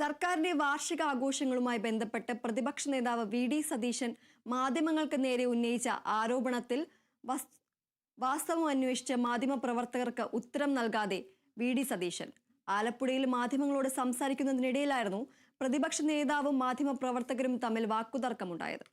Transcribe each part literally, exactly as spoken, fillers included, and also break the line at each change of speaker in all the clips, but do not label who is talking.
സർക്കാരിന്റെ വാർഷിക ആഘോഷങ്ങളുമായി ബന്ധപ്പെട്ട് പ്രതിപക്ഷ നേതാവ് വി ഡി സതീശൻ മാധ്യമങ്ങൾക്ക് നേരെ ഉന്നയിച്ച ആരോപണത്തിൽ വാസ്തവം അന്വേഷിച്ച് മാധ്യമപ്രവർത്തകർക്ക് ഉത്തരം നൽകാതെ വി ഡി സതീശൻ ആലപ്പുഴയിൽ മാധ്യമങ്ങളോട് സംസാരിക്കുന്നതിനിടയിലായിരുന്നു പ്രതിപക്ഷ നേതാവും മാധ്യമപ്രവർത്തകരും തമ്മിൽ വാക്കുതർക്കമുണ്ടായത്.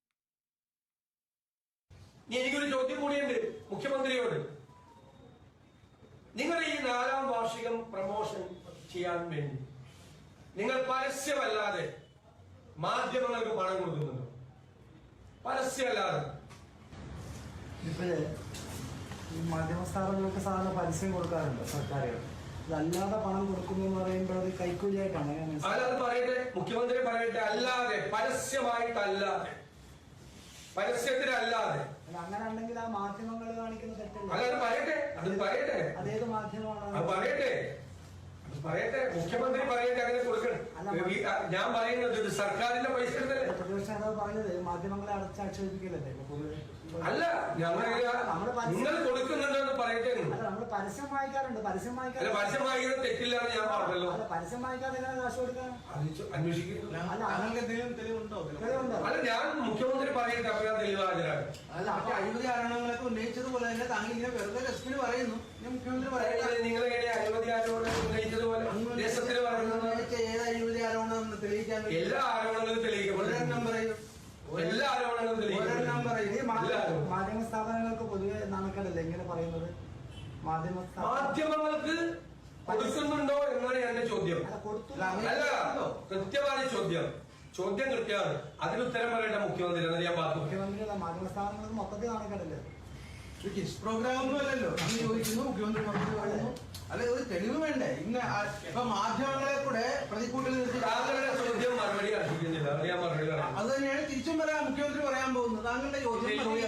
എനിക്കൊരു ചോദ്യം കൂടിയുണ്ട് മുഖ്യമന്ത്രിയോട്. നിങ്ങൾ ഈ നാലാം വാർഷികം പ്രമോഷൻ ചെയ്യാൻ വേണ്ടി നിങ്ങൾ പരസ്യമല്ലാതെ മാധ്യമങ്ങൾക്ക് പണം കൊടുക്കുന്നുണ്ടോ? പരസ്യമല്ലാതെ
ഇപ്പോഴേ ഈ മാധ്യമ സ്ഥാപനങ്ങൾക്ക് സാധാരണ പരസ്യം കൊടുക്കാറുണ്ട് സർക്കാരുകൾ. അതല്ലാതെ പണം കൊടുക്കുന്നു എന്ന് പറയുമ്പോൾ അത് കൈക്കൂലിയായിട്ടാണ്.
അല്ലാതെ പറയട്ടെ, മുഖ്യമന്ത്രി പറയട്ടെ, അല്ലാതെ പരസ്യമായിട്ടല്ലാതെ, പരസ്യത്തിനല്ലാതെ.
അങ്ങനെ ഉണ്ടെങ്കിൽ ആ മാധ്യമങ്ങൾ കാണിക്കുന്ന തെറ്റല്ല.
അല്ലാതെ പറയട്ടെ, അത് പറയട്ടെ,
അതേത് മാധ്യമമാണ്
അത് പറയട്ടെ, പറയട്ടെ, മുഖ്യമന്ത്രി പറയട്ടെ, അങ്ങനെ കൊടുക്കണം. ഞാൻ പറയുന്നത് ഇത് സർക്കാരിന്റെ പൈസ
പ്രതിപക്ഷ നേതാവ് പറഞ്ഞത് മാധ്യമങ്ങളെ അടച്ചാക്ഷേപിക്കില്ലല്ലേ?
അല്ല, ഞങ്ങൾ നിങ്ങൾ കൊടുക്കുന്നുണ്ടെന്ന് പറയട്ടെ.
നമ്മൾ പരസ്യം വായിക്കാറുണ്ട്. പരസ്യം വായിക്കാറ്
പരസ്യം വായിക്കുന്നത് തെറ്റില്ലാന്ന് ഞാൻ പറഞ്ഞല്ലോ.
പരസ്യം വായിക്കാതെ കാശ് കൊടുക്കാൻ
അന്വേഷിക്കുന്നു.
തെളിവുണ്ടോ?
അല്ല, ഞാൻ മുഖ്യമന്ത്രി പറയട്ടെ, അപ്പോൾ ഞാൻ തെളിവ് ഹാജരാകും.
അല്ല, മറ്റേ അഴിമതി ആരോപണങ്ങളൊക്കെ ഉന്നയിച്ചതുപോലെ തന്നെ താങ്കൾ ഇങ്ങനെ വെറുതെ ടെസ്റ്റിന് പറയുന്നു. മുഖ്യമന്ത്രി പറയുന്നത്
നിങ്ങൾ എങ്ങനെ അഴിമതി ആരോപണം ഉന്നയിച്ചതുപോലെ ദേശത്തിന് പറയുന്നത്
ഏത് അഴിമതി ആരോപണം തെളിയിക്കാൻ
എല്ലാ ആരോപണങ്ങളും തെളിയിക്കും.
ഒരെണ്ണം പറയും,
എല്ലാ ആരോപണങ്ങളും
ഒരെണ്ണം പറയും.
മാധ്യമ സ്ഥാപനങ്ങൾക്ക് പൊതുവെ നാണക്കേടല്ലേ ഇങ്ങനെ പറയുന്നത്? മാധ്യമ
മാധ്യമങ്ങൾക്ക് കൊടുക്കുന്നുണ്ടോ എന്നാണ് എന്റെ ചോദ്യം. അല്ല, കൃത്യമായ ചോദ്യം. ചോദ്യം കൃത്യമാണ്. അതിന് ഉത്തരം പറയേണ്ട മുഖ്യമന്ത്രി എന്ന് ഞാൻ പറഞ്ഞു.
മുഖ്യമന്ത്രി മാധ്യമ സ്ഥാപനങ്ങൾക്ക് മൊത്തത്തിൽ നാണക്കേടല്ലേ?
കിസ് പ്രോഗ്രാം ഒന്നും അല്ലല്ലോ. അന്ന് ചോദിക്കുന്നു, മുഖ്യമന്ത്രി മറുപടി പറയുന്നു. അല്ലെ, ഒരു തെളിവ് വേണ്ടേ? ഇന്ന് ഇപ്പൊ മാധ്യമങ്ങളെ കൂടെ പ്രതിക്കൂട്ടിൽ നിർത്തി
താങ്കളുടെ ചോദ്യം മറുപടി അർഹിക്കുന്നില്ല. ഞാൻ മറുപടി പറയാം.
അത് തന്നെയാണ് തിരിച്ചും പറയാം മുഖ്യമന്ത്രി പറയാൻ പോകുന്നത്. താങ്കളുടെ ചോദ്യം